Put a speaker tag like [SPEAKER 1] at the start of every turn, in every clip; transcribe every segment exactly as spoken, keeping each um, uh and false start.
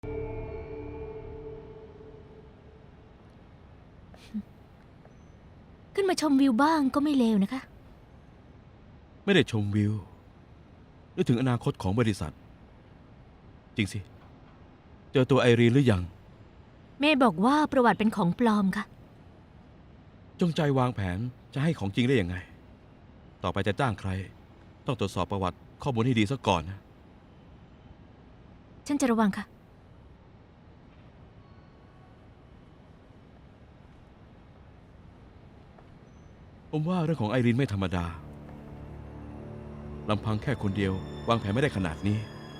[SPEAKER 1] ขึ้นมาชมวิวบ้างก็ไม่เลวนะคะ
[SPEAKER 2] ไม่ได้ชมวิวนึกถึงอนาคตของบริษัท จริงสิ เจอตัวไอรีนหรือยัง
[SPEAKER 1] เมย์บอกว่าประวัติเป็นของปลอมค่ะ
[SPEAKER 2] จงใจวางแผนจะให้ของจริงได้ยังไง ต่อไปจะจ้างใคร ต้องตรวจสอบประวัติข้อมูลให้ดีซะก่อนนะ
[SPEAKER 1] ฉันจะระวังค่ะ
[SPEAKER 2] ผมว่าเรื่องของไอรีนไม่ธรรมดาลำพังแค่คนเดียววางแผนไม่ได้ขนาดนี้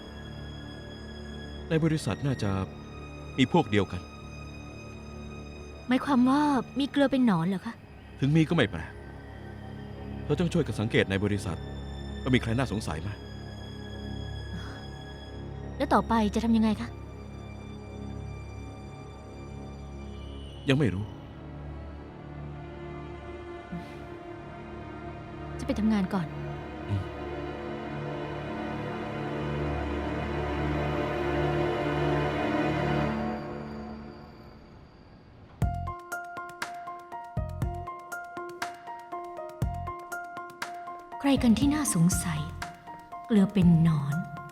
[SPEAKER 2] ในบริษัทน่าจะมีพวกเดียวกัน
[SPEAKER 1] หมายความว่ามีเกลือเป็นหนอนเหรอคะ
[SPEAKER 2] ถึงมีก็ไม่แปลกเธอต้องช่วยกันสังเกตในบริษัทว่ามีใครน่าสงสัยไหม
[SPEAKER 1] แล้วต่อไปจะทำยังไงคะ
[SPEAKER 2] ยังไม่รู้
[SPEAKER 1] จะไปทำงานก่อน ใครกันที่น่าสงสัย เกลือเป็นหนอน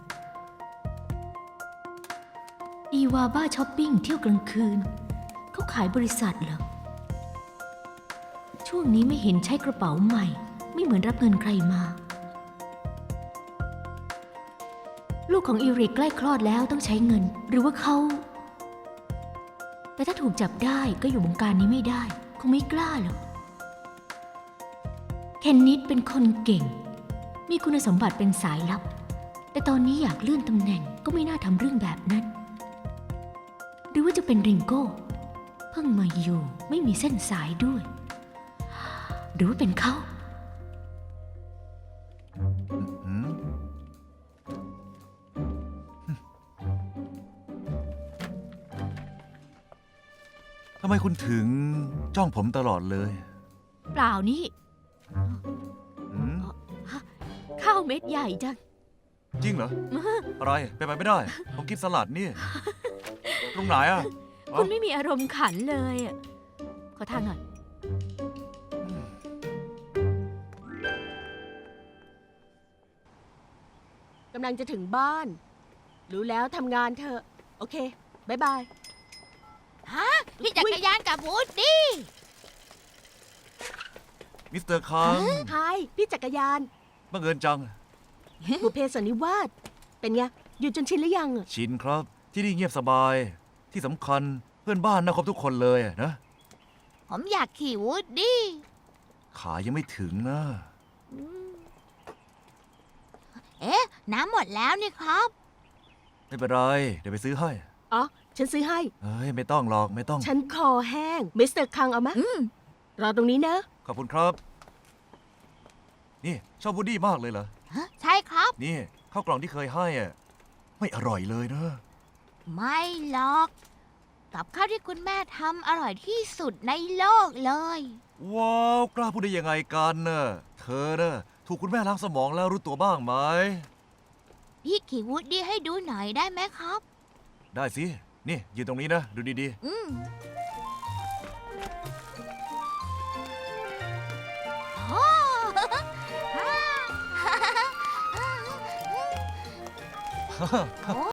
[SPEAKER 1] อีวาบ้าช้อปปิ้งเที่ยวกลางคืน เขาขายบริษัทเหรอ ช่วงนี้ไม่เห็นใช้กระเป๋าใหม่ ไม่เหมือนรับเงินใครมา ลูกของอีริกใกล้คลอดแล้วต้องใช้เงิน หรือว่าเขา แต่ถ้าถูกจับได้ก็อยู่วงการนี้ไม่ได้ คงไม่กล้าหรอก เคนนิดเป็นคนเก่ง มีคุณสมบัติเป็นสายลับ แต่ตอนนี้อยากเลื่อนตำแหน่งก็ไม่น่าทำเรื่องแบบนั้น หรือว่าจะเป็นริงโก้ เพิ่งมาอยู่ไม่มีเส้นสายด้วย หรือว่าเป็นเขา
[SPEAKER 3] หืมทำไมคุณถึงจ้องผมตลอดเลย
[SPEAKER 1] เปล่านี่
[SPEAKER 3] หืม
[SPEAKER 1] ข้าวเม็ดใหญ่จัง
[SPEAKER 3] จริงเหรอ อะไรไปนไปไม่ได้ ผมกินสลัดนี่ ตรงไหนอ่ะ
[SPEAKER 1] คุณไม่มีอารมณ์ขันเลยอะขอทางหน่อย
[SPEAKER 4] กำลังจะถึงบ้าน รู้แล้วทำงานเถอะ โอเคบายบาย
[SPEAKER 5] ฮะพี่จักรยานกับวูดดี้
[SPEAKER 3] มิสเตอร์คัง
[SPEAKER 4] ฮายพี่จักรยาน
[SPEAKER 3] บังเอิญจัง
[SPEAKER 4] บุพเพสันนิวาสเป็นไง อยู่จนชินหรือยังอะ
[SPEAKER 3] ชินครับ ที่นี่เงียบสบาย ที่สำคัญเพื่อนบ้านน่าคบทุกคนเลยนะ
[SPEAKER 5] ผมอยากขี่วูดดี้
[SPEAKER 3] ขายังไม่ถึงนะ
[SPEAKER 5] เอ๊ะ น้ำหมดแล้วนี่ครับ
[SPEAKER 3] ไม่เป็นไร เดี๋ยวไปซื้อให้
[SPEAKER 4] อ๋อ ฉันซื้อให้
[SPEAKER 3] เฮ้ย ไม่ต้องหรอกไม่ต้อง
[SPEAKER 4] ฉันคอแห้ง มิสเตอร์คังเอามะ
[SPEAKER 5] อืม
[SPEAKER 4] รอตรงนี้นะ
[SPEAKER 3] ขอบคุณครับ นี่ชอบวูดดี้มากเลยเหรอ
[SPEAKER 5] ฮะใช่ครับ
[SPEAKER 3] นี่ข้าวกล่องที่เคยให้อ่ะไม่อร่อยเลยนะ
[SPEAKER 5] ไม่หรอก กับข้าวที่คุณแม่ทำอร่อยที่สุดในโลกเลย
[SPEAKER 3] ว้าว กล้าพูดได้ยังไงกันเน่ะเธอเน่ะถูกคุณแม่ล้างสมองแล้วรู้ตัวบ้างไหม
[SPEAKER 5] พี่ขี่วูดดี้ให้ดูหน่อยได้ไหมครับ
[SPEAKER 3] ได้สิ นี่ยืนตรงนี้นะ ดูดี
[SPEAKER 5] อืมโอ้
[SPEAKER 3] ๆ
[SPEAKER 5] โอ้